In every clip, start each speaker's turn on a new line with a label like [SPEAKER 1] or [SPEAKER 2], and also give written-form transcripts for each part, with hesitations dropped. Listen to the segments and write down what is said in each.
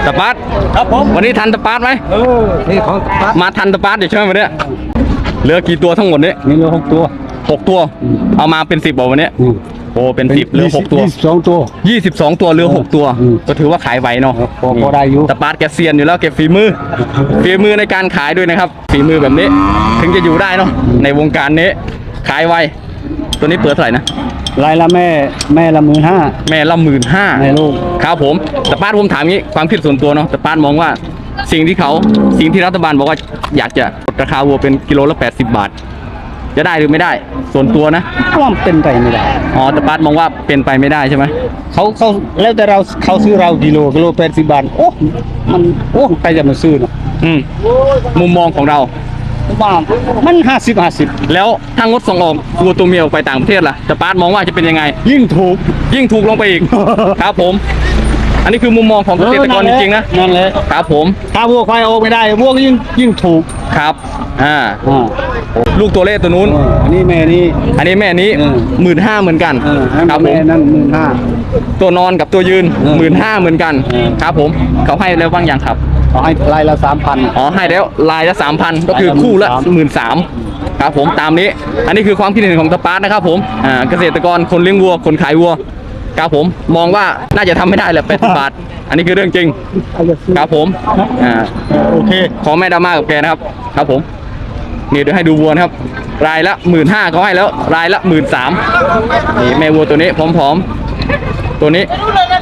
[SPEAKER 1] ตะปาด
[SPEAKER 2] ครับผม
[SPEAKER 1] วันนี้ทันตะปาดไหม
[SPEAKER 2] นี่ของตะปาด
[SPEAKER 1] มาทันตะปาดเดี๋ยวใช่ไหมวันนี้เหลือกี่ตัวทั้งหมดนี้
[SPEAKER 2] มีเหลือ6 ตัว
[SPEAKER 1] 6 ตัวเอามาเป็น10บอกวันนี้โอ้เป็น10เหลือ6 ตัว
[SPEAKER 2] 22 ตัว
[SPEAKER 1] 22 ตัวเหลือ6 ตัวก็ถือว่าขายไหวเนาะ
[SPEAKER 2] พอได้อยู่
[SPEAKER 1] ตะปาดแกเซียนอยู่แล้วเก็บฝีมือในการขายด้วยนะครับฝีมือแบบนี้ถึงจะอยู่ได้เนาะในวงการนี้ขายไวตัวนี้เปิดเท่าไหร่นะ
[SPEAKER 2] รายละแม่ละ15,000
[SPEAKER 1] แม่ละ15,000
[SPEAKER 2] แม่ลูก
[SPEAKER 1] ครับผมตะปาดผมถามงี้ความคิดส่วนตัวเนาะตะปาดมองว่าสิ่งที่รัฐบาลบอกว่าอยากจะลดราคาวัวเป็นกิโลละ80 บาทจะได้หรือไม่ได้ส่วนตัวนะ
[SPEAKER 2] ว่าเป็นไปไม่ได้
[SPEAKER 1] อ๋อตะปาดมองว่าเป็นไปไม่ได้ใช่ไหม
[SPEAKER 2] เขาแล้วแต่เขาซื้อเรากิโล80 บาทโอ้มันใครจะมาซื้อเนาะ
[SPEAKER 1] มุมมองของเรา
[SPEAKER 2] บ้างมัน50
[SPEAKER 1] แล้วถ้างดส่งออกวัวตัวเมียออกไปต่างประเทศล่ะตะปาดมองว่าจะเป็นยังไงยิ่งถูกลงไปอีก ครับผมอันนี้คือมุมมองของเกษตรกรจริงๆนะ
[SPEAKER 2] นั่นแหละ
[SPEAKER 1] ครับผม
[SPEAKER 2] ถ้าวัวควายออกไม่ได้วัวก็ยิ่งถูก
[SPEAKER 1] ครับลูกตัวเล็กตัวนู้น
[SPEAKER 2] อันนี้แม่นี้
[SPEAKER 1] 15,000เหมือนกัน
[SPEAKER 2] ครับผมนั่น15,000
[SPEAKER 1] ตัวนอนกับตัวยืน15,000เหมือนกันครับผมเขาให้แล้วบ้างยังครับ
[SPEAKER 2] ให้ลายละ 3,000
[SPEAKER 1] ให้แล้วลายละ 3,000ก็คือคู่ละ 13,000ครับผมตามนี้อันนี้คือความคิดเห็นของตะปาดนะครับผมเกษตรกรคนเลี้ยงวัวคนขายวัวครับผมมองว่าน่าจะทำไม่ได้แหละ80 บาทอันนี้คือเรื่องจริงครับผม
[SPEAKER 2] โอเค
[SPEAKER 1] ขอแม่ดราม่ากับแกนะครับครับผมนี่เดี๋ยวให้ดูวัวนะครับรายละ 15,000เขาให้แล้วรายละ 13,000นี่แม่วัวตัวนี้พร้อมๆตัวนี้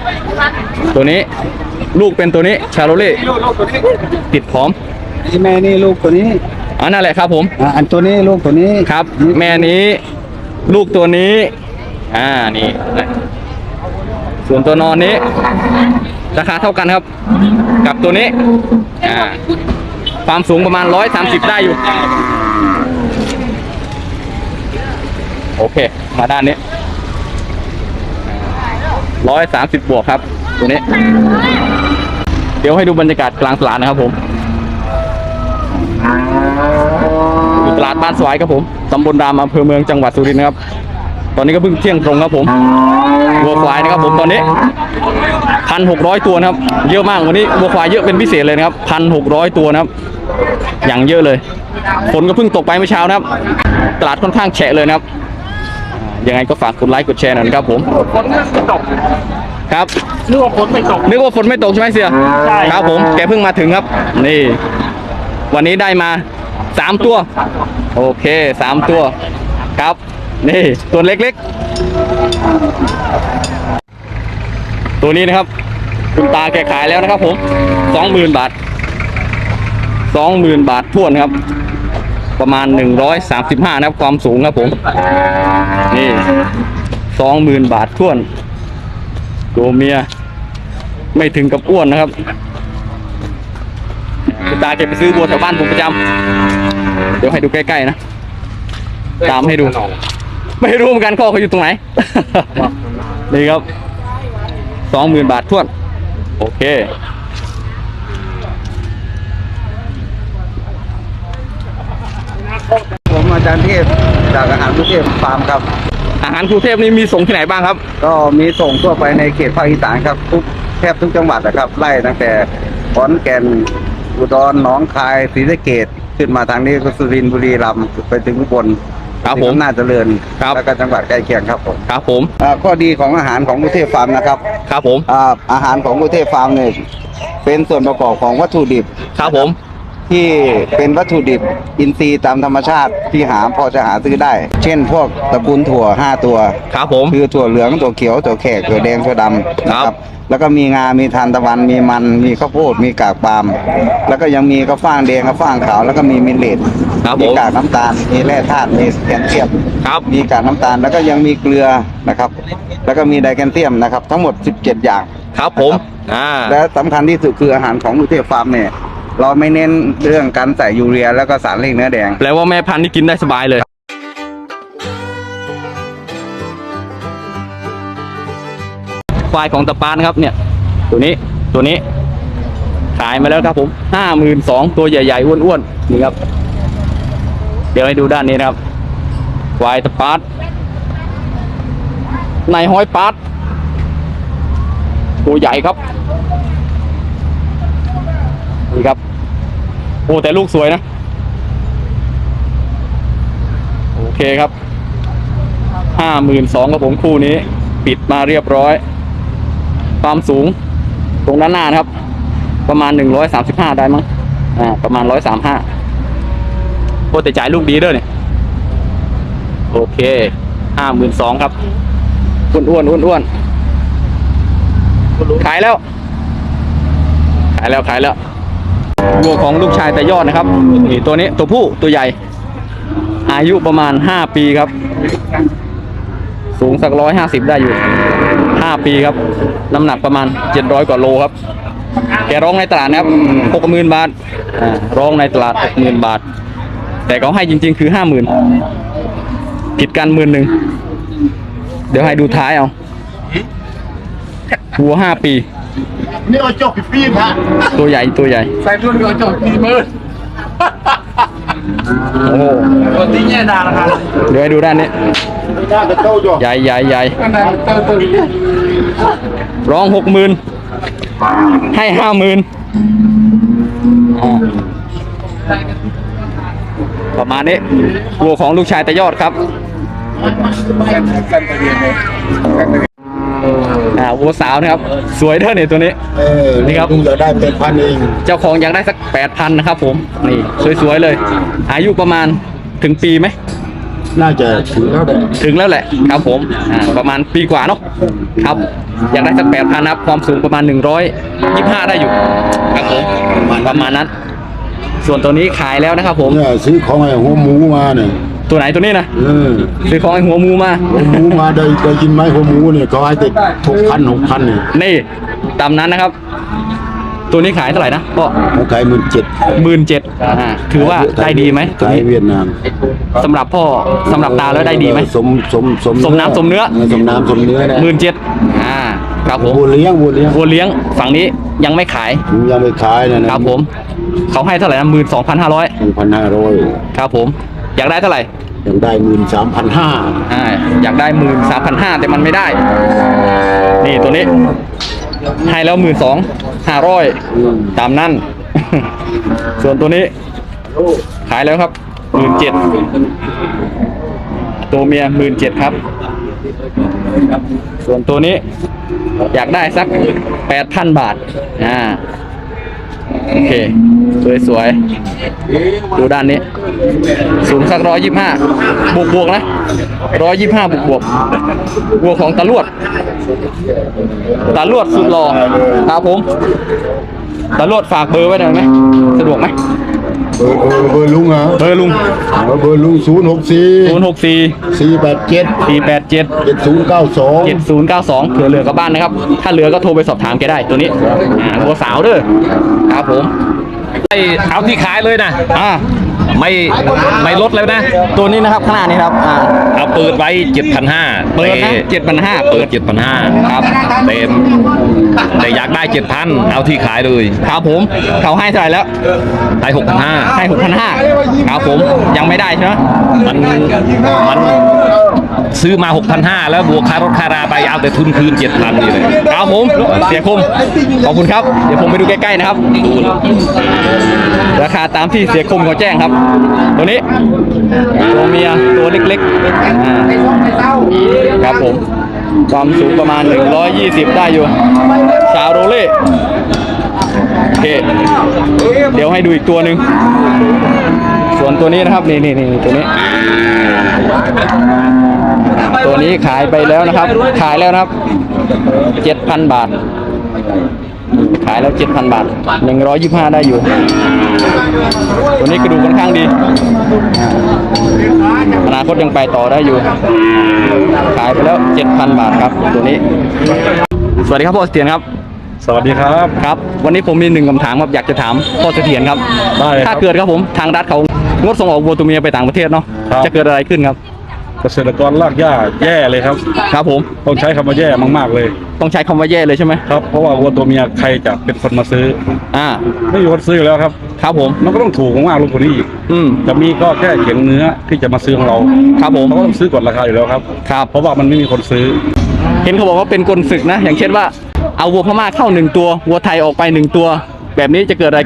[SPEAKER 1] ลูกเป็นตัวนี้ชาโรเล่ติดพร้อม
[SPEAKER 2] แม่นี่ลูกตัวนี้
[SPEAKER 1] นั่นแหละครับผม
[SPEAKER 2] อันตัวนี้ลูกตัวนี้
[SPEAKER 1] ครับแม่นี้ลูกตัวนี้นี่ส่วนตัวนอนนี้ราคาเท่ากันครับกับตัวนี้ความสูงประมาณ130ได้อยู่โอเคมาด้านนี้130บวกครับตัวนี้เดี๋ยวให้ดูบรรยากาศกลางตลาดนะครับผมตลาดบ้านสวายครับผมตำบลรามอำเภอเมืองจังหวัดสุรินทร์นะครับตอนนี้ก็เพิ่งเที่ยงตรงครับผมวัวควายนะครับผมตอนนี้ 1,600 ตัวนะครับเยอะมากวันนี้วัวควายเยอะเป็นพิเศษเลยนะครับ 1,600 ตัวนะครับอย่างเยอะเลยฝนก็เพิ่งตกไปเมื่อเช้านะครับตลาดค่อนข้างแฉะเลยนะครับยังไงก็ฝากกดไลค์กดแชร์หน่อยนะครับผม
[SPEAKER 2] ฝนไม่ตก
[SPEAKER 1] ครับ
[SPEAKER 2] นึกว่าฝนไม่ตก
[SPEAKER 1] ใช่ไหมเสี่ย
[SPEAKER 2] ใช่
[SPEAKER 1] ครับผมแกเพิ่งมาถึงครับนี่วันนี้ได้มา3 ตัวโอเค3 ตัวครับนี่ตัวเล็กๆตัวนี้นะครับคุณตาแกขายแล้วนะครับผม 20,000 บาทท้วนครับประมาณ135นะครับความสูงครับผมนี่ 20,000 บาทท้วนตัวเมียไม่ถึงกับอ้วนนะครับคุณตาแกไปซื้อวัวแถวบ้านผมประจำเดี๋ยวให้ดูใกล้ๆนะตามให้ดูไม่รู้เหมือนกันข้อเขาอยู่ตรงไหน นี่ครับ 20,000 บาทท้วนโอเค
[SPEAKER 2] ผมอาจารย์เทพจากอาหารกรุงเทพฟาร์มครับ
[SPEAKER 1] อาหารกรุงเทพนี่มีส่งที่ไหนบ้างครับ
[SPEAKER 2] ก็มีส่งทั่วไปในเขตภาคอีสานครับแทบทุกจังหวัดนะครับไล่ตั้งแต่ขอนแก่นอุดรหนองคายศรีสะเกษขึ้นมาทางนี้ก็สุรินทร์บุรีรัมย์ไปถึงอุบล
[SPEAKER 1] ครับผม
[SPEAKER 2] น่าเจริญแล้วก็จังหวัดใกล้เคียงครับผม
[SPEAKER 1] ครับผม
[SPEAKER 2] ข้อดีของอาหารของกรุงเทพฟาร์มนะครับ
[SPEAKER 1] ครับผม
[SPEAKER 2] อาหารของกรุงเทพฟาร์มเนี่ยเป็นส่วนประกอบของวัตถุดิบ
[SPEAKER 1] ครับผม
[SPEAKER 2] ที่เป็นวัตถุดิบอินทรีย์ตามธรรมชาติที่พอจะหาซื้อได้เช่นพวกตระกูลถั่ว5 ตัว
[SPEAKER 1] ครับผม
[SPEAKER 2] คือถั่วเหลืองถั่วเขียวถั่วแขกถั่วแดงถั่วดำนะครับแล้วก็มีงามีทานตะวันมีมันมีข้าวโพดมีกากปาล์มแล้วก็ยังมีข้าวฟ่างแดงข้าวฟ่างขาวแล้วก็มีมิลเลตมีกากน้ำตาลมีแร่ธาตุมีแคลเซียมมีกากน้ำตาลแล้วก็ยังมีเกลือนะครับแล้วก็มีไดแคลเซียมนะครับทั้งหมด17 อย่าง
[SPEAKER 1] ครับผม
[SPEAKER 2] และสำคัญที่สุดคืออาหารของกรุงเทพฟาร์มเนี่ยเราไม่เน้นเรื่องการใส่ยูเรียแล้วก็สารเร่งเนื้อแดง
[SPEAKER 1] แปลว่าแม่พันธุ์นี่กินได้สบายเลยควายของตะปาดนะครับเนี่ยตัวนี้ขายมาแล้วครับผม 52,000ตัวใหญ่ๆอ้วนๆนี่ครับเดี๋ยวให้ดูด้านนี้นะครับควายตะปาดในห้อยปาดตัวใหญ่ครับนี่ครับโอ้แต่ลูกสวยนะโอเคครับ52,000ครับผมคู่นี้ปิดมาเรียบร้อยความสูงตรงด้านหน้านะครับประมาณ135ได้มั้งประมาณ135โอ้แต่จ่ายลูกดีเด้อเนี่ยโอเค52,000ครับอ้วนขายแล้ววัวของลูกชายแต่ยอดนะครับนี่ตัวนี้ตัวผู้ตัวใหญ่อายุประมาณ5ปีครับสูงสัก150ได้อยู่5ปีครับน้ำหนักประมาณ700กว่าโลครับแกร้องในตลาดนะครับ60,000 บาทร้องในตลาด60,000 บาทแต่เขาให้จริงๆคือ50,000ผิดกัน10,000เดี๋ยวให้ดูท้ายเอาวัว5ปี
[SPEAKER 3] นี่เอาจบปีนฮะ
[SPEAKER 1] ตัวใหญ่
[SPEAKER 3] ใส่รุ่นเอาจบ40,000
[SPEAKER 1] โอ้โห
[SPEAKER 3] ตัวนี้แย่ดาราคา
[SPEAKER 1] เดี๋ยวให้ดูด้านนี้
[SPEAKER 3] น่าจะโตอยู่
[SPEAKER 1] ใหญ่
[SPEAKER 3] อันนั้นโต
[SPEAKER 1] ร้อง60,000ให้50,000ประมาณนี้วัวของลูกชายแต่ยอดครับวัวสาวนะครับสวยเท่านี่ตัวนี้นี่ครับ
[SPEAKER 3] เราได้8,000เอง
[SPEAKER 1] เจ้าของอยากได้สัก 8,000นะครับผมนี่สวยๆเลยอายุประมาณถึงปีไหม
[SPEAKER 3] น่าจะถึงแล้วแหละ
[SPEAKER 1] ครับผมประมาณปีกว่าเนาะครับอยากได้สัก 8,000นะครับความสูงประมาณ125ได้อยู่ครับผมประมาณนั้นส่วนตัวนี้ขายแล้วนะครับผม
[SPEAKER 3] เนี่ยซื้อของไอ้หัวหมูมาเนี่ย
[SPEAKER 1] ตัวไหนตัวนี้นะซื้อของไอ้หัวหมูมา
[SPEAKER 3] หัวหมูมาได้กินไหมหัวหมูเนี่ยเขาให้ติด6,000เนี่ย
[SPEAKER 1] นี่ตามนั้นนะครับ ตัวนี้ขายเท่าไหร่นะก็
[SPEAKER 3] เขาขาย17,000
[SPEAKER 1] ถือว่าได้ดีไหม
[SPEAKER 3] ขายเวียดนาม
[SPEAKER 1] สำหรับพ่อสำหรับตาแล้วได้ดีไหมสมน้ำสมเนื้อ
[SPEAKER 3] สมน้ำสมเนื้อนะ
[SPEAKER 1] 17,000ครับผม
[SPEAKER 3] วัวเลี้ยง
[SPEAKER 1] วัวเลี้ยงฝั่งนี้ยังไม่ขาย
[SPEAKER 3] ยังไม่ขายนะครับ
[SPEAKER 1] ผมเขาให้เท่าไหร่นะ12,500
[SPEAKER 3] 1,500
[SPEAKER 1] ครับผมอยากได้เท่าไหร่
[SPEAKER 3] ยังได้13,500
[SPEAKER 1] อยากได้13,500แต่มันไม่ได้นี่ตัวนี้ให้แล้ว12,500ตามนั่น ส่วนตัวนี้ขายแล้วครับ17,000ตัวเมีย17,000ครับส่วนตัวนี้อยากได้สัก 8,000 บาทโอเคสวยๆดูด้านนี้สูงสัก125บวกนะ125บวกวัวของตาลวดสุดหล่อครับผมตาลวดฝากเบอร์ไว้หน่อยไหมสะดวกไหม
[SPEAKER 3] เบอร์ลุงเหรอ
[SPEAKER 1] เบอร์ลุง
[SPEAKER 3] 064 487 7092
[SPEAKER 1] เผื่อเหลือกับบ้านนะครับ ถ้าเหลือก็โทรไปสอบถามแกได้ตัวนี้วัวสาวเด้อครับผม
[SPEAKER 4] เอาที่ขายเลยนะไม่ลดเลยนะ
[SPEAKER 1] ตัวนี้นะครับข้างหน้านี้ครับ
[SPEAKER 4] เอาเปิดไว้ 7,500
[SPEAKER 1] เปิดนะ7,500
[SPEAKER 4] เปิด 7,500
[SPEAKER 1] ครับ
[SPEAKER 4] แต่อยากได้ 7,000 เอาที่ขายเลย
[SPEAKER 1] ครับผมเขาให้เท่าไหร่แล้ว
[SPEAKER 4] ได้ 6,500
[SPEAKER 1] ให้6,500ครับผมยังไม่ได้ใช่ไหม
[SPEAKER 4] มันซื้อมา 6,500 แล้วบวกค่ารถค่าราไปเอาแต่ทุนคืน 7,000 นี่เลย
[SPEAKER 1] ครับผมเสียคมขอบคุณครับเดี๋ยวผมไปดูใกล้ๆนะครับราคาตามที่เสียคมเขาแจ้งครับตัวนี้ตัวเมียตัวเล็กๆครับผมความสูงประมาณ120ได้อยู่ชาวโรเล่โอเคเดี๋ยวให้ดูอีกตัวหนึ่งส่วนตัวนี้นะครับนี่ตัวนี้ขายไปแล้วนะครับขายแล้วนะครับ 7,000 บาทขายแล้ว 7,000 บาท125ได้อยู่ตัวนี้กระดูกค่อนข้างดีอนาคตยังไปต่อได้อยู่ขายไปแล้ว 7,000 บาทครับตัวนี้สวัสดีครับพ่อเสถียรครับ
[SPEAKER 4] สวัสดีครับ
[SPEAKER 1] ครับวันนี้ผมมี1คำถามครับอยากจะถามพ่อเสถียรครับ
[SPEAKER 4] ได้ครับ
[SPEAKER 1] ถ้าเกิดครับผมทางรัฐเขางดส่งออกวัวตัวเมียไปต่างประเทศเนาะ
[SPEAKER 4] ครับ
[SPEAKER 1] จะเกิดอะไรขึ้นครับ
[SPEAKER 4] เกษตรกรลากหญ้าแย่เลยครับ
[SPEAKER 1] ครับผม
[SPEAKER 4] ต้องใช้คำว่าแย่มากๆเลย
[SPEAKER 1] ต้องใช้คำว่าแย่เลยใช่ไหม
[SPEAKER 4] ครับ เพราะว่าวัวตัวเมียใครจะเป็นคนมาซื้อ ไม่มีคนซื้ออยู่แล้วครับ
[SPEAKER 1] ครับผม
[SPEAKER 4] มันก็ต้องถูกมากๆลงกว่านี้อีก จะมีก็แค่เขียงเนื้อที่จะมาซื้อของเรา
[SPEAKER 1] ครับผม
[SPEAKER 4] เขาก็ต้องซื้อกดราคาอยู่แล้วครับ
[SPEAKER 1] ครับ
[SPEAKER 4] เพราะว่ามันไม่มีคนซื้อ
[SPEAKER 1] เห็นเขาบอกว่าเป็นกลศึกนะ อย่างเช่นว่าเอาวัวพม่าเข้า1ตัววัวไทยออกไป1ตัว แบบนี้จะเกิดอะไรขึ้น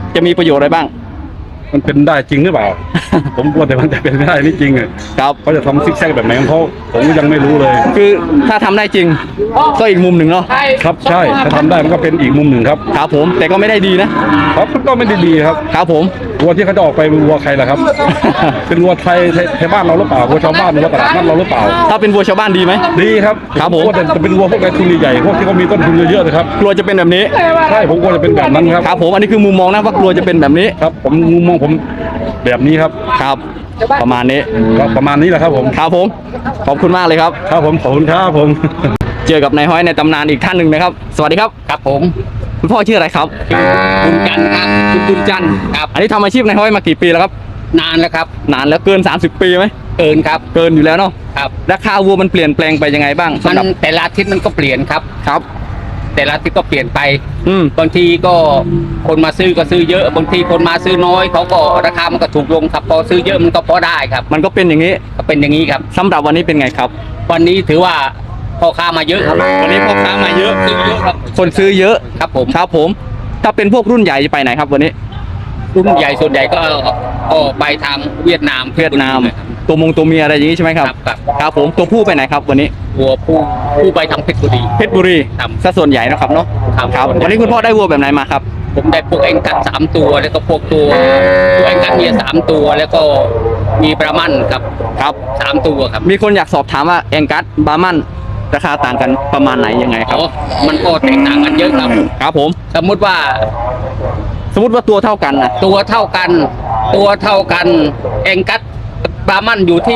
[SPEAKER 1] จะมีประโยชน์อะไรบ้าง
[SPEAKER 3] มันเป็นได้จริงหรือเปล่า ผมกลัวแต่มันจะเป็นไม่ได้นี่จริงอ่ะ
[SPEAKER 1] ครับ
[SPEAKER 3] เขาจะทำซิกแซกแบบไหนของเขาผมก็ยังไม่รู้เลย
[SPEAKER 1] คือถ้าทำได้จริงก็อีกมุมหนึ่งเนาะ
[SPEAKER 3] ครับใช่ถ้าทำได้มันก็เป็นอีกมุมหนึ่งครับ
[SPEAKER 1] ครับผมแต่ก็ไม่ได้ดีนะครับ
[SPEAKER 3] ก็ไม่ได้ดีครับ
[SPEAKER 1] ครับผม
[SPEAKER 3] วัวที่เขาจะออกไปเป็นวัวใครล่ะครับ เป็นวัวไทยบ้านเราหรือเปล่าวัวชาวบ้านวัวตลาดนัดเราหรือเปล่า
[SPEAKER 1] ถ้าเป็นวัวชาวบ้านดีไหม
[SPEAKER 3] ดีครับ
[SPEAKER 1] ครับผม
[SPEAKER 3] ว่าแต่จะเป็นวัวพวกนายทุนใหญ่ๆพวกที่เขามีต้นทุนเยอะๆเลยครับ
[SPEAKER 1] กลัวจะเป็นแบบนี้
[SPEAKER 3] ใช่ผมกลัวจะเป็นแบบนั้นครับ
[SPEAKER 1] ครับผมอันนี้คือมุมมองนะว่ากลัวจะเป็นแบบนี้
[SPEAKER 3] ครับผมมุมมองผมแบบนี้ครับ
[SPEAKER 1] ครับ ประมาณนี้
[SPEAKER 3] ก็ประมาณนี้แหละครับผม
[SPEAKER 1] ครับผมขอบคุณมากเลยครับ
[SPEAKER 3] ครับผมขอบคุณครับผม
[SPEAKER 1] เจอกับนายห้อยในตำนานอีกท่านหนึ่งนะครับ สวัสดีครับ
[SPEAKER 5] ครับผม
[SPEAKER 1] คุณพ่อชื่ออะไรครับ
[SPEAKER 5] บุญจันทร์ครับ
[SPEAKER 1] คุณบุญจันทร์
[SPEAKER 5] ครับ
[SPEAKER 1] อันนี้ทำอาชีพนายห้อยมากี่ปีแล้วครับ
[SPEAKER 5] นานแล้วครับ
[SPEAKER 1] นานแล้วเกิน 30 ปีไหม
[SPEAKER 5] เกินครับ
[SPEAKER 1] เกินอยู่แล้วเนาะ
[SPEAKER 5] ครับ
[SPEAKER 1] ราคาวัวมันเปลี่ยนแปลงไปยังไงบ้าง
[SPEAKER 5] มั
[SPEAKER 1] สำหรับ
[SPEAKER 5] นแต่ละอาทิตย์มันก็เปลี่ยนครับ
[SPEAKER 1] ครับ
[SPEAKER 5] แต่ละอาทิตย์ก็เปลี่ยนไป
[SPEAKER 1] อืม
[SPEAKER 5] บางทีก็คนมาซื้อก็ซื้อเยอะบางทีคนมาซื้อน้อยเขาก็ราคามันก็ถูกลงครับพอซื้อเยอะมันก็พอได้ครับ
[SPEAKER 1] มันก็เป็นอย่างนี้
[SPEAKER 5] ก็เป็นอย่างนี้ครับ
[SPEAKER 1] สำหรับวันนี้เป็นไงครับ
[SPEAKER 5] วันนี้ถือว่าพ่อค้ามาเยอะครับ
[SPEAKER 1] วันนี้พ่อค้ามาเยอะ
[SPEAKER 5] ซื้อเยอะครับ
[SPEAKER 1] คนซื้อเยอะ
[SPEAKER 5] ครับผม
[SPEAKER 1] ครับผม ถ้าเป็นพวกรุ่นใหญ่จะไปไหนครับวันนี้
[SPEAKER 5] รุ่นใหญ่ส่วนใหญ่ก็ไปทางเวียดนาม
[SPEAKER 1] เวียดนาม
[SPEAKER 5] ครับ
[SPEAKER 1] ตัวเมียอะไรอย่างนี้ใช่ไหมครับ
[SPEAKER 5] ครับ
[SPEAKER 1] ครับผมตัวผู้ไปไหนครับวันนี้
[SPEAKER 5] วัวผู้ไปทางเพชรบุรี
[SPEAKER 1] เพชรบุรี
[SPEAKER 5] ครับ
[SPEAKER 1] ซะส่วนใหญ่นะครับเนาะ
[SPEAKER 5] ครับ
[SPEAKER 1] ครับวันนี้คุณพ่อได้วัวแบบไหนมาครับ
[SPEAKER 5] ผมได้พวกเอ็งกัด3 ตัวแล้วก็พวกตัวเอ็งกัดเมีย3 ตัวแล้วก็มีประมันครับ
[SPEAKER 1] ครับ
[SPEAKER 5] 3 ตัวครับ
[SPEAKER 1] มีคนอยากสอบถามว่าแองกัสบาร์มันราคาต่างกันประมาณไหนยังไงครับ
[SPEAKER 5] อ๋อมันก็แตกต่างกันเยอะครับ
[SPEAKER 1] ครับผม
[SPEAKER 5] สมมุติว่า
[SPEAKER 1] สมมติว่าตัวเท่ากันนะ
[SPEAKER 5] ตัวเท่ากันเอ็งกัดประมันอยู่ที่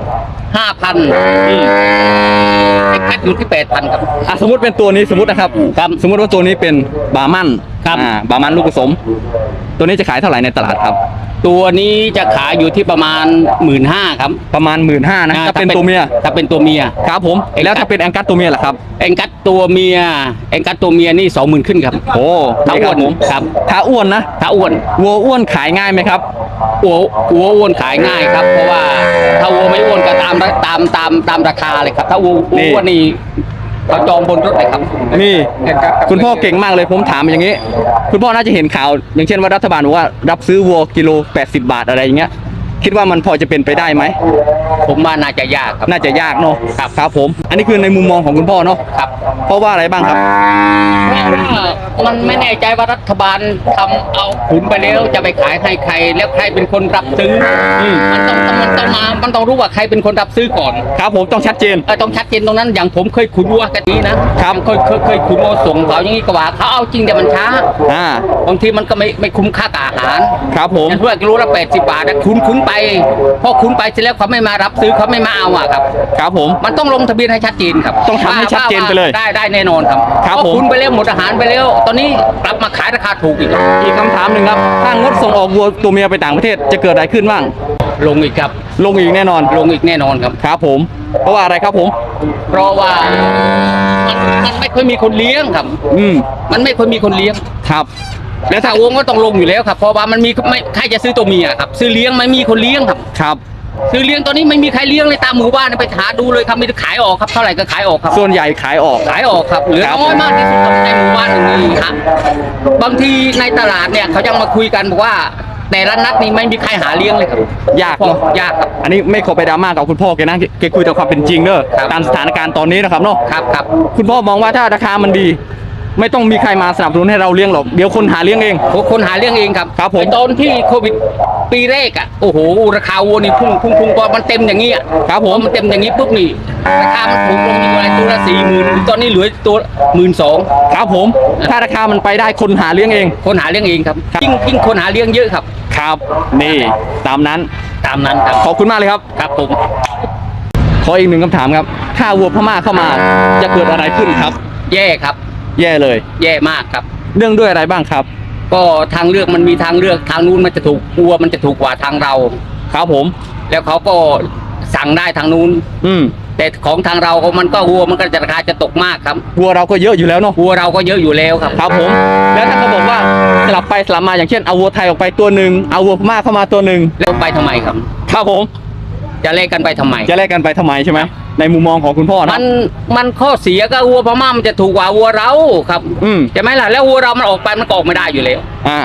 [SPEAKER 5] 5,000เอ็งกัดอยู่ที่ 8,000ครับ
[SPEAKER 1] สมมติเป็นตัวนี้สมมตินะครับ
[SPEAKER 5] ครับ
[SPEAKER 1] สมมติว่าตัวนี้เป็นบาร์มัน
[SPEAKER 5] ครับ
[SPEAKER 1] บาร์มันลูกผสม ตัวนี้จะขายเท่าไหร่ในตลาดครับ
[SPEAKER 5] ตัวนี้จะขายอยู่ที่ประมาณ 15,000ครับ
[SPEAKER 1] ประมาณ 15,000นะถ้าเป็นตัวเมีย
[SPEAKER 5] ถ้าเป็นตัวเมีย
[SPEAKER 1] ครับผม
[SPEAKER 5] เอ็งกัส
[SPEAKER 1] แล้วถ้าเป็นแองกัสตัวเมียล่ะครับ
[SPEAKER 5] เอ็งกัดตัวเมียนี่ 20,000ขึ้นครับ
[SPEAKER 1] โอ้
[SPEAKER 5] ถ้าอ้วน
[SPEAKER 1] ผม
[SPEAKER 5] ครับ
[SPEAKER 1] ถ้าอ้วนนะ
[SPEAKER 5] ถ้าอ้วน
[SPEAKER 1] วัวอ้วนขายง่ายไหมครับ
[SPEAKER 5] วัวอ้วนขายง่ายครับ เพราะว่าถ้าวัวไม่อ้วนก็ตามราคาเลยครับ ถ้าวัวอ้วนนี่เขาจองบนรถเลยครับ
[SPEAKER 1] นี่คุณพ่อเก่งมากเลยผมถามอย่างนี้ คุณพ่อน่าจะเห็นข่าว อย่างเช่นว่ารัฐบาลบอกว่ารับซื้อวัวกิโล80 บาทอะไรอย่างเงี้ย คิดว่ามันพอจะเป็นไปได้ไหม
[SPEAKER 5] ผมว่าน่าจะยากครับ
[SPEAKER 1] น่าจะยากเนาะ
[SPEAKER 5] ครับ
[SPEAKER 1] ครับผม อันนี้คือในมุมมองของคุณพ่อเนาะ
[SPEAKER 5] ครับ
[SPEAKER 1] เพราะว่าอะไรบ้างครับ
[SPEAKER 5] มันไม่แน่ใจว่ารัฐบาลทำเอาขุนไปแล้วจะไปขายให้ใคร แล้วใครเป็นคนรับซื้ออ
[SPEAKER 1] ม
[SPEAKER 5] มันต้องรู้ว่าใครเป็นคนรับซื้อก่อน
[SPEAKER 1] ครับผมต้องชัดเจน
[SPEAKER 5] ต้องชัดเจนตรงนั้นอย่างผมเคยขุนวัวกันนี้นะครับ เคยขุนวัวส่งเขาอย่างนี้ก็ว่าเขาเอาจริงแต่มันช้า บางทีมันก็ไม่คุ้มค่ากับอาหาร
[SPEAKER 1] ครับผม
[SPEAKER 5] อย่างเพื่อนกิโลละ80 บาทนะคุ้นไปพอคุ้นไปเสร็จแล้วเขาไม่มารับซื้อเขาไม่มาเอาอะครับ
[SPEAKER 1] ครับผม
[SPEAKER 5] มันต้องลงทะเบียนให้ชัดเจนครับ
[SPEAKER 1] ต้องทำให้ชัดเจนไปเลย
[SPEAKER 5] ว่าได้แน่นอนครับ
[SPEAKER 1] ครับ
[SPEAKER 5] เพาะ
[SPEAKER 1] ผม
[SPEAKER 5] คุณไปแล้วหมดอาหารไปแล้ว ตอนนี้กลับมาขายราคาถูกอีกครับ
[SPEAKER 1] อีกคำถามหนึ่งครับ ถ้างดส่งออกวัวตัวเมียไปต่างประเทศจะเกิดอะไรขึ้นบ้าง
[SPEAKER 5] ลงอีกครับ
[SPEAKER 1] ลงอีกแน่นอน
[SPEAKER 5] ลงอีกแน่นอนครับ
[SPEAKER 1] ครับผม เพราะว่าอะไรครับผม
[SPEAKER 5] เพราะว่ามันไม่ค่อยมีคนเลี้ยงครับ
[SPEAKER 1] อืม
[SPEAKER 5] มันไม่ค่อยมีคนเลี้ยง
[SPEAKER 1] ครับ
[SPEAKER 5] แล้วถ้าวงก็ต้องลงอยู่แล้วครับ เพราะว่ามันมีไม่ใครจะซื้อตัวเมียครับ ซื้อเลี้ยงไม่มีคนเลี้ยงครับ
[SPEAKER 1] ครับ
[SPEAKER 5] ซื้อเลี้ยงตอนนี้ไม่มีใครเลี้ยงเลยตามหมู่บ้านไปหาดูเลยครับมีแต่ขายออกครับเท่าไหร่ก็ขายออกครับ
[SPEAKER 1] ส่วนใหญ่ขายออก
[SPEAKER 5] ขายออกครับเหลือ
[SPEAKER 1] ครับ
[SPEAKER 5] น้อยมากที่สุดครับในหมู่บ้านอย่างนี้ครับบางทีในตลาดเนี่ยเขายังมาคุยกันบอกว่าแต่ละนัดนี่ไม่มีใครหาเลี้ยงเลยครับ
[SPEAKER 1] ยากเนอะ
[SPEAKER 5] ยากครับ
[SPEAKER 1] อันนี้ไม่ขอไปดราม่ากับคุณพ่อแกนะแกคุยแต่ความเป็นจริงเด้อ
[SPEAKER 5] ครับ
[SPEAKER 1] ตามสถานการณ์ตอนนี้นะครับเนาะ
[SPEAKER 5] ครับครับ
[SPEAKER 1] คุณพ่อมองว่าถ้าราคามันดี ไม่ต้องมีใครมาสนับสนุนให้เราเลี้ยงหรอกเดี๋ยวคนหาเลี้ยงเอง
[SPEAKER 5] คนหาเลี้ยงเองครับ
[SPEAKER 1] ครับผม
[SPEAKER 5] ไอ้ตอนที่โควิดปีแรกอ่ะโอ้โหราคาวัวนี่พุ่งพอมันเต็มอย่างนี้อ่ะ
[SPEAKER 1] ครับผม
[SPEAKER 5] พอมันเต็มอย่างนี้ปุ๊บนี่ราคามันถูกลงอยู่อะไรตัวละ40,000ตอนนี้เหลือตัว12,000
[SPEAKER 1] ครับผม ถ้าราคามันไปได้คนหาเลี้ยงเอง
[SPEAKER 5] คนหาเลี้ยงเองครับ
[SPEAKER 1] ครับ
[SPEAKER 5] ยิ่งคนหาเลี้ยงเยอะครับ
[SPEAKER 1] ครับ นี่ตามนั้น
[SPEAKER 5] ตามนั้นครับ
[SPEAKER 1] ขอบคุณมากเลยครับ
[SPEAKER 5] ครับผม
[SPEAKER 1] ขออีกหนึ่งคำถามครับ ถ้าวัวพม่าเข้ามาจะเกิดอะไรขึ้นครับ
[SPEAKER 5] แย่ครับ
[SPEAKER 1] แย่เลย
[SPEAKER 5] แย่มากครับ
[SPEAKER 1] เรื่องด้วยอะไรบ้างครับ
[SPEAKER 5] ก็ทางเลือกมันมีทางเลือกทางนู้นมันจะถูกวัวมันจะถูกกว่าทางเรา
[SPEAKER 1] ครับผม
[SPEAKER 5] แล้วเขาก็สั่งได้ทางนู้น
[SPEAKER 1] อืม
[SPEAKER 5] แต่ของทางเราก็มันก็วัวมันก็จะราคาจะตกมากครับ
[SPEAKER 1] วัวเราก็เยอะอยู่แล้วเนาะ
[SPEAKER 5] วัวเราก็เยอะอยู่แล้วครับ
[SPEAKER 1] ครับผม แล้วถ้าเขาบอกว่าสลับไปสลับมาอย่างเช่นเอาวัวไทยออกไปตัวหนึ่งเอาวัวพม่าเข้ามาตัวหนึ่ง
[SPEAKER 5] แล้วไปทำไมครับ
[SPEAKER 1] ครับผม
[SPEAKER 5] จะแลกกันไปทำไม
[SPEAKER 1] จะแลกกันไปทำไมใช่ไหมในมุมมองของคุณพ่อ
[SPEAKER 5] มั
[SPEAKER 1] นะ
[SPEAKER 5] มันข้อเสียก็วัวพม่ามันจะถูกกว่าวัวเราครับ
[SPEAKER 1] อืม
[SPEAKER 5] ใช่ไหมล่ะแล้ววัวเรามันออกไปมันก็ออกไม่ได้อยู่แล้ว
[SPEAKER 1] อ่า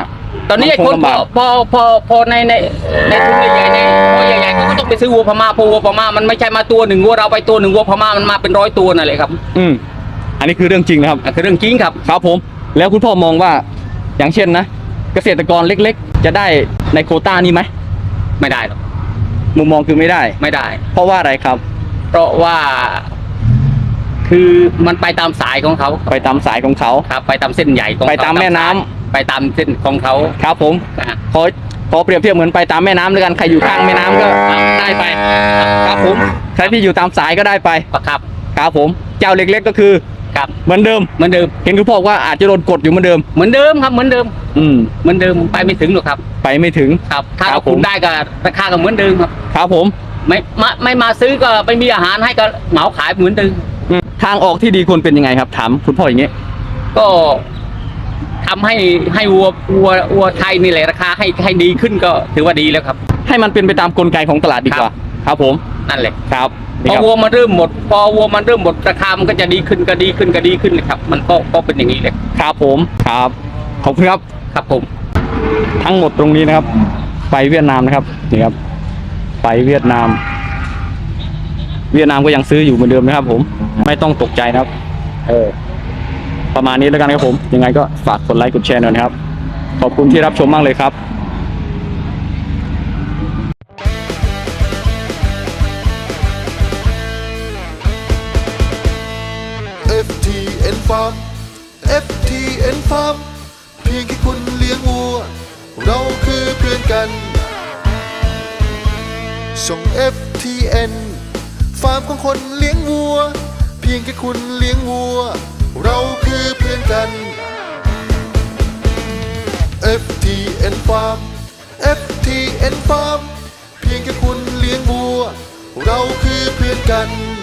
[SPEAKER 5] ตอนนี้ไอ้คน
[SPEAKER 1] ลำบาก
[SPEAKER 5] พอในทุนใหญ่ๆในพอใหญ่ๆเขาก็ต้องไปซื้อวัวพม่าเพราะวัวพม่ามันไม่ใช่มาตัวหนึ่งวัวเราไปตัวหนึ่งวัวพม่ามันมาเป็น100 ตัวนั่นแหละครับ
[SPEAKER 1] อันนี้คือเรื่องจริงนะครับ
[SPEAKER 5] คือเรื่องจริงครับ
[SPEAKER 1] ครับผม แล้วคุณพ่อมองว่าอย่างเช่นนะ เกษตรกรเล็กๆ จะได้ในโควต้านี้ไหม
[SPEAKER 5] ไม่ได้หรอก
[SPEAKER 1] มุมมองคือไม่ได้
[SPEAKER 5] ไม่ได้
[SPEAKER 1] เพราะว่าอะไรครับ
[SPEAKER 5] เพราะว่า คือมันไปตามสายของเขา
[SPEAKER 1] ไปตามสายของเขา
[SPEAKER 5] ครับ ไปตามเส้นใหญ่ของเข
[SPEAKER 1] ไปตามแม่น้ำ
[SPEAKER 5] สายไปตามเส้นของเขา
[SPEAKER 1] ครับผม
[SPEAKER 5] อ่ะ
[SPEAKER 1] ขอเปรียบเทียบเหมือนไปตามแม่น้ำด้วยกันใครอยู่ข้างแม่น้ำก็ได้ไปครับผมใครที่อยู่ตามสายก็ได้ไป
[SPEAKER 5] ครับ
[SPEAKER 1] ครับผมเจ้าเล็กๆก็คือ
[SPEAKER 5] ครับ
[SPEAKER 1] เหมือนเดิม
[SPEAKER 5] เหมือนเดิม
[SPEAKER 1] เห็นคุณพ่อว่าอาจจะโดนกดอยู่เหมือนเดิม
[SPEAKER 5] เหมือนเดิมครับ เหมือนเดิม เหมือนเดิมไปไม่ถึงหรอกครับ
[SPEAKER 1] ไปไม่ถึง
[SPEAKER 5] ครับ ถ้า
[SPEAKER 1] ครั
[SPEAKER 5] เรา
[SPEAKER 1] บผม
[SPEAKER 5] คุมได้ก็ราคาก็เหมือนเดิมครับ
[SPEAKER 1] ครับผม
[SPEAKER 5] ไม่มาซื้อก็ไม่มีอาหารให้ก็เหมาขายเหมือนเดิม
[SPEAKER 1] ทางออกที่ดีควรเป็นยังไงครับ ถามคุณพ่ออย่างนี้
[SPEAKER 5] ก็ทำให้วัวไทยนี่แหละราคาให้ดีขึ้นก็ถือว่าดีแล้วครับ
[SPEAKER 1] ให้มันเป็นไปตามกลไกของตลาดดีกว่า ครับผม
[SPEAKER 5] นั่นแหละ
[SPEAKER 1] ครับ
[SPEAKER 5] พ
[SPEAKER 1] นี่
[SPEAKER 5] อ
[SPEAKER 1] ครับ
[SPEAKER 5] วัวมันเริ่มหมดราคามันก็จะดีขึ้นนะครับ มันก็เป็นอย่างนี้เลย
[SPEAKER 1] ครับผมครับขอบคุณครับ
[SPEAKER 5] ครับผม
[SPEAKER 1] ทั้งหมดตรงนี้นะครับ ไปเวียดนามนะครับนี่ครับ ไปเวียดนาม เวียดนามก็ยังซื้ออยู่เหมือนเดิมนะครับ ผมไม่ต้องตกใจนะครับ ประมาณนี้แล้วกันครับผม ยังไงก็ฝากกดไลค์กดแชร์หน่อยนะครับ ขอบคุณที่รับชมมากเลยครับ
[SPEAKER 6] FTN Farm FTN Farm เพียงแค่คุณเลี้ยงวัว เราคือเพื่อนกัน ส่ง FTN ฟาร์มของคนเลี้ยงวัว เพียงแค่คุณเลี้ยงวัว เราคือเพื่อนกัน FTN Farm FTN Farm เพียงแค่คุณเลี้ยงวัว เราคือเพื่อนกัน